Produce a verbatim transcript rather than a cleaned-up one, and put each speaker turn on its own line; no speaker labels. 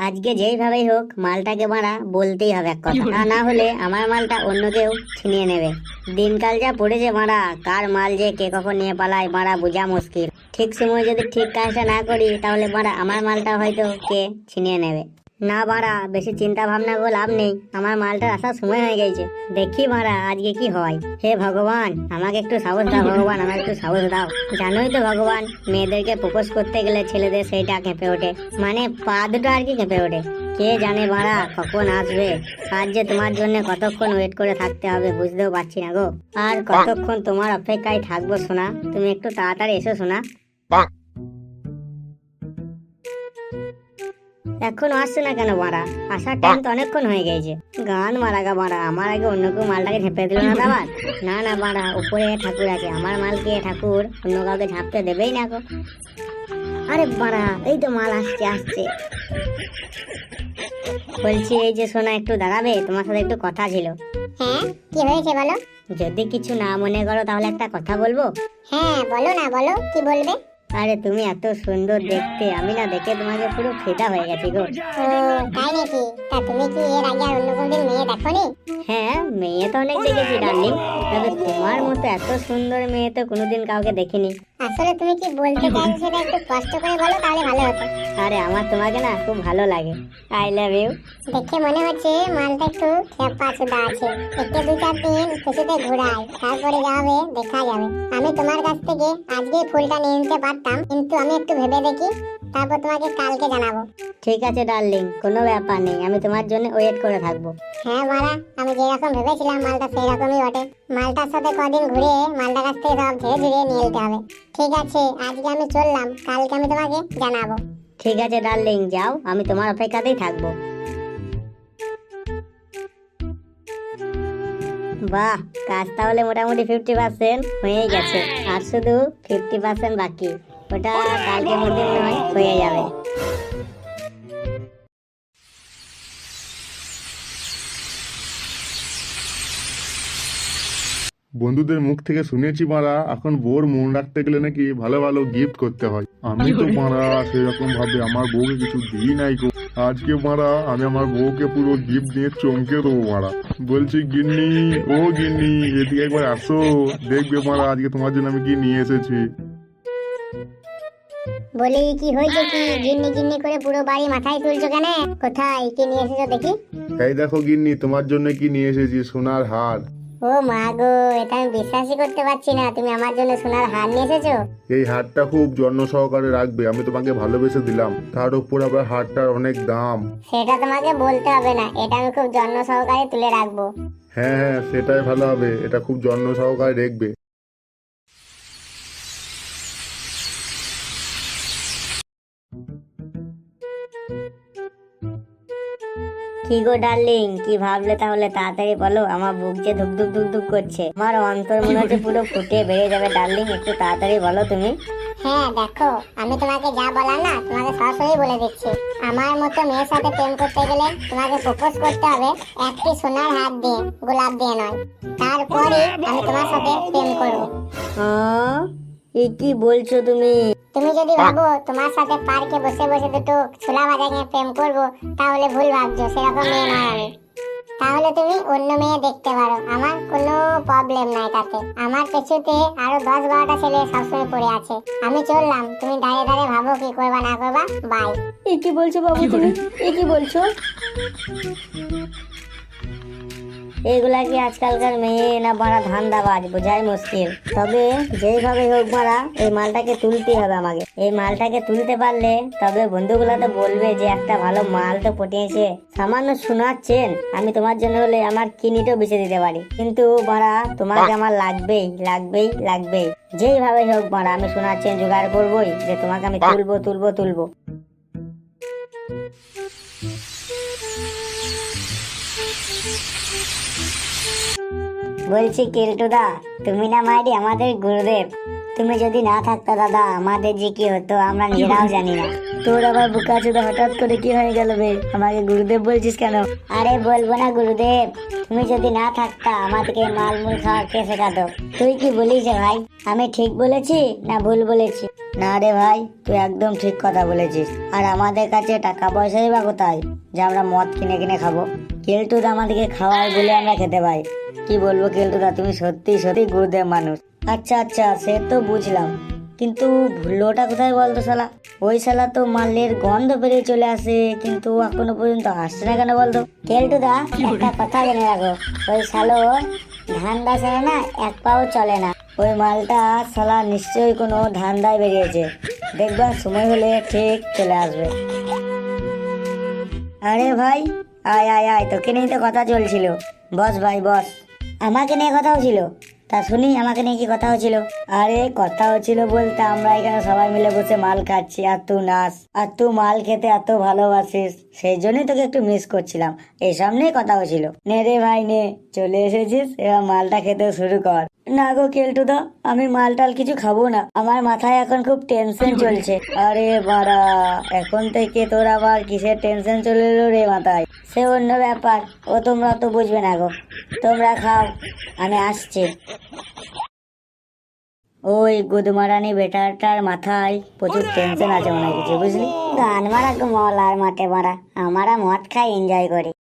আজকে যেইভাবেই হোক মালটাকে মারা বলতেই হবে এক কথা, তা না হলে আমার মালটা অন্য কেউ ছিনিয়ে নেবে। দিনকাল যা পড়েছে মারা, কার মাল যে কে কখন নিয়ে পালায় মারা বোঝা মুশকিল। ঠিক সময় যদি ঠিক কাজটা না করি তাহলে মারা আমার মালটা হয়তো কে ছিনিয়ে নেবে। না মারা বেশি চিন্তা ভাবনা করে লাভ নেই, আমার মালটার আসার সময় হয়ে গেছে। দেখি মারা আজকে কি হয়। হে ভগবান আমাকে একটু সাহস দাও, ভগবান আমাকে একটু সাহস দাও। জানোই তো ভগবান, মেয়েদেরকে প্রপোজ করতে গেলে ছেলেদের সেইটা কেঁপে ওঠে, মানে পা দুটো আর কি কেঁপে ওঠে। কে জানে মারা কখন আসবে। আজ যে তোমার জন্য কতক্ষণ ওয়েট করে থাকতে হবে বুঝতেও পারছি না গো। আর কতক্ষণ তোমার অপেক্ষায় থাকবো সোনা, তুমি একটু তাড়াতাড়ি এসো সোনা। এখনো আসছে না কেন মারা? আসার টাইম তো অনেকক্ষণ হয়ে গেছে। গান মারা গা মারা, আমার আগে অন্য কেউ মালটাকে ঝেপে দিল না আবার? না না মারা, উপরে ঠাকুর আছে, আমার মালকে ঠাকুর অন্য কাউকে ঝাপতে দেবেই না গো। আরে মারা এই তো মাল আসছে আসছে। বলছি এই যে সোনা একটু দাঁড়াবে, তোমার সাথে একটু কথা ছিল।
হ্যাঁ কি হয়েছে বলো।
যদি কিছু না মনে করো তাহলে একটা কথা বলবো।
হ্যাঁ বলো না, বলো কি বলবে।
আরে তুমি এত সুন্দর দেখতে, আমি না দেখে তোমাকে পুরো ফিদা হয়ে গেছি গো।
ও তাই নাকি? তা তুমি কি এর আগে আর অন্য কোনদিন মেয়ে দেখোনি?
হ্যাঁ মেয়ে তো অনেক দেখেছি ডার্লিং, তবে তোমার মতো এত সুন্দর মেয়ে তো কোনোদিন কাউকে দেখিনি।
আসলে তুমি কি বলতে চাইছো সেটা একটু কষ্ট করে বলো, তাহলে ভালো হতো।
আরে আমার তোমাকে না খুব ভালো লাগে। I love you.
দেখে মনে হচ্ছে মালটা একটু খেপা চুদা আছে, একে দু চার দিন খুশিতে ঘুরায়, তারপরে যাবে দেখা যাবে। আমি তোমার কাছ থেকে আজকে ফুলটা নিয়ে নিতে পারতাম, কিন্তু আমি একটু ভেবে দেখি, তারপর তোমাকে কালকে জানাবো।
ঠিক আছে ডার্লিং, কোনো ব্যাপার নেই, আমি তোমার জন্য ওয়েট করে থাকবো।
হ্যাঁ মারা, আমি যেরকম ভেবেছিলাম মালটা সেই রকমই বটে। মালটার সাথে কদিন ঘুরে মালটার কাছ থেকে সব ধীরে ধীরে নিয়ে নিতে হবে। ঠিক আছে আজকে আমি চললাম, কালকে আমি তোমাকে জানাবো।
ঠিক আছে ডার্লিং যাও, আমি তোমার অপেক্ষাতেই থাকবো। বাহ, কাজ তাহলে মোটামুটি ফিফটি পার্সেন্ট হয়ে গেছে, আর শুধু ফিফটি পার্সেন্ট বাকি, ওটা কালকে মধ্যে নয় হয়ে যাবে।
বন্ধুদের মুখ থেকে শুনেছি মারা এখন বউর মন রাখতে গেলে নাকি ভালো ভালো গিফট করতে হয়। আমি তো মারা সেরকম ভাবে আমার বউকে কিছু দিই নাই গো। আজকে মারা আমি আমার বউকে পুরো গিফট দিয়ে চমকে দেবো মারা। বলছি গিন্নি, ও গিন্নি এদিকে একবার আসো, দেখবে মারা আজকে তোমার জন্য আমি কি নিয়ে এসেছি।
বলি কি হয়েছে কি, গিন্নি গিন্নি করে পুরো বাড়ি মাথায় তুলছো কেন? কোথায় কি নিয়ে এসেছো দেখি।
এই দেখো গিন্নি তোমার জন্য কি নিয়ে এসেছি, সোনার হার।
ও মা গো, এটা আমি বিশ্বাসই করতে পারছি না, তুমি আমার জন্য সোনার হার নিয়ে এসেছো।
এই হারটা খুব যত্ন সহকারে রাখবে, আমি তোমাকে ভালোবেসে দিলাম, তার উপর আবার হারটার অনেক দাম।
সেটা তোমাকে বলতে হবে না, এটা আমি খুব যত্ন সহকারে তুলে রাখবো।
হ্যাঁ হ্যাঁ সেটাই ভালো হবে, এটা খুব যত্ন সহকারে রাখবে।
কি গো ডার্লিং, কি ভাবলে তাহলে তাড়াতাড়ি বলো, আমার বুক যে ধুক ধুক ধুক ধুক করছে, আমার অন্তর মনে হচ্ছে পুরো ফুটে বেড়ে যাবে। ডার্লিং একটু তাড়াতাড়ি বলো তুমি।
হ্যাঁ দেখো, আমি তোমাকে যা বলা না তোমাকে সরাসরি বলে দিচ্ছি। আমার মতো মেয়ের সাথে প্রেম করতে গেলে তোমাকে প্রপোজ করতে হবে একটি সোনার হাত দিয়ে, গোলাপ দিয়ে নয়। তারপরে আমি তোমার সাথে প্রেম করবো।
হ্যাঁ এ কি বলছো তুমি?
তুমি যদি ভাবো তোমার সাথে পার্কে বসে বসে দুটো ছোলা ভাজা খেয়ে প্রেম করবো, তাহলে ভুল ভাবছো, সেরকম মেয়ে নয় আমি। তাহলে তুমি অন্য মেয়ে দেখতে পারো, আমার কোনো প্রবলেম নাই তাতে। আমার পেছুতে আরো দশ বারোটা ছেলে সবসময় পড়ে আছে। আমি চললাম, তুমি দাঁড়িয়ে দাঁড়িয়ে ভাবো কি করবা না করবা। বাই।
এ কি বলছো বাবু তুমি, এ কি বলছো? এগুলা কি আজকালকার মেয়ে না বড় ধান্দাবাজ, বোঝাই মুশকিল। তবে যেইভাবে হোক মারা এই মালটাকে তুলতেই হবে আমাকে। এই মালটাকে তুলতে পারলে তবে বন্ধুগুলা তো বলবে যে একটা ভালো মাল তো পটিয়েছে। সামান্য শোনাচ্ছেন, আমি তোমার জন্য হলে আমার কিনিটাও বেঁচে দিতে পারি, কিন্তু মারা তোমাকে আমার লাগবেই লাগবেই লাগবেই। যেইভাবে হোক মারা আমি শোনাচ্ছেন জোগাড় করবোই, যে তোমাকে আমি তুলবো তুলবো তুলবো। বলছি কেলটুদা, তুমি না মাইরি আমাদের গুরুদেব, তুমি যদি না থাকতো দাদা আমাদের যে কি হতো আমরা নিজেরাও জানি না। তোর আবার বুকা চোদা হঠাৎ করে কি হয়ে গেল বে? আমাকে গুরুদেব বলছিস কেন?
আরে বলবো না গুরুদেব, তুমি যদি না থাকতা আমাদেরকে মালমূল খাওয়া কে শেখাতো?
তুই কি বলিস রে ভাই?
আমি ঠিক বলেছি না ভুল বলেছি?
না রে ভাই, তুই একদম ঠিক কথা বলেছিস। আর আমাদের কাছে টাকা পয়সাই বা কোথায় যে আমরা মদ কিনে কিনে খাবো? কেলটুদা আমাদেরকে খাওয়ায় বলে আমরা খেতে পাই। কি বলবো কেলটুদা, তুমি সত্যি সত্যি গুরুদেব মানুষ। আচ্ছা আচ্ছা, সে তো বুঝলাম, কিন্তু ভুলোটা কোথায় বলতো শালা? ওই শালা তো মালের গন্ধ বেরিয়ে চলে আসে, কিন্তু এখনো পর্যন্ত আসছে না কেন বলতো?
কেলটুদা, একটা কথা জেনে রাখো, ওই শালো ধান্দা ছেড়ে না এক পাও চলে না।
ওই মালটা শালা নিশ্চয়ই কোনো ধান্দায় বেরিয়েছে, দেখবা সময় হলে ঠিক চলে আসবে। আরে ভাই, আয় আয় আয়, তোকে নিয়ে তো কথা চলছিল। বস ভাই বস। আমাকে নিয়ে কথা হচ্ছিল? তা শুনি, আমাকে নিয়ে কি কথা হচ্ছিল? আরে কথা হচ্ছিল বলতে, আমরা এখানে সবাই মিলে বসে মাল খাচ্ছি আর তুই নাচ, আর তুই মাল খেতে এত ভালোবাসিস, সেই জন্যই তোকে একটু মিস করছিলাম। এই সামনেই কথা হচ্ছিল। নে রে ভাই নে, চলে এসেছিস, এবার মালটা খেতে শুরু কর। না গো কেলটুদা, আমি মাল টাল কিছু খাবো না, আমার মাথায় এখন খুব টেনশন চলছে। আরে বাড়া, এখন থেকে তোর আবার কিসের টেনশন চলে এলো রে মাথায়? সে অন্য ব্যাপার, ও তোমরা তো বুঝবে না গো। তোমরা খাও, আমি আসছি। ওই গুদমারানি বেটাটার মাথায় প্রচুর টেনশন আছে মনে হয় কিছু, বুঝলি?
গান মারা মলার মাঠে মারা, আমরা মদ খাই এনজয় করি।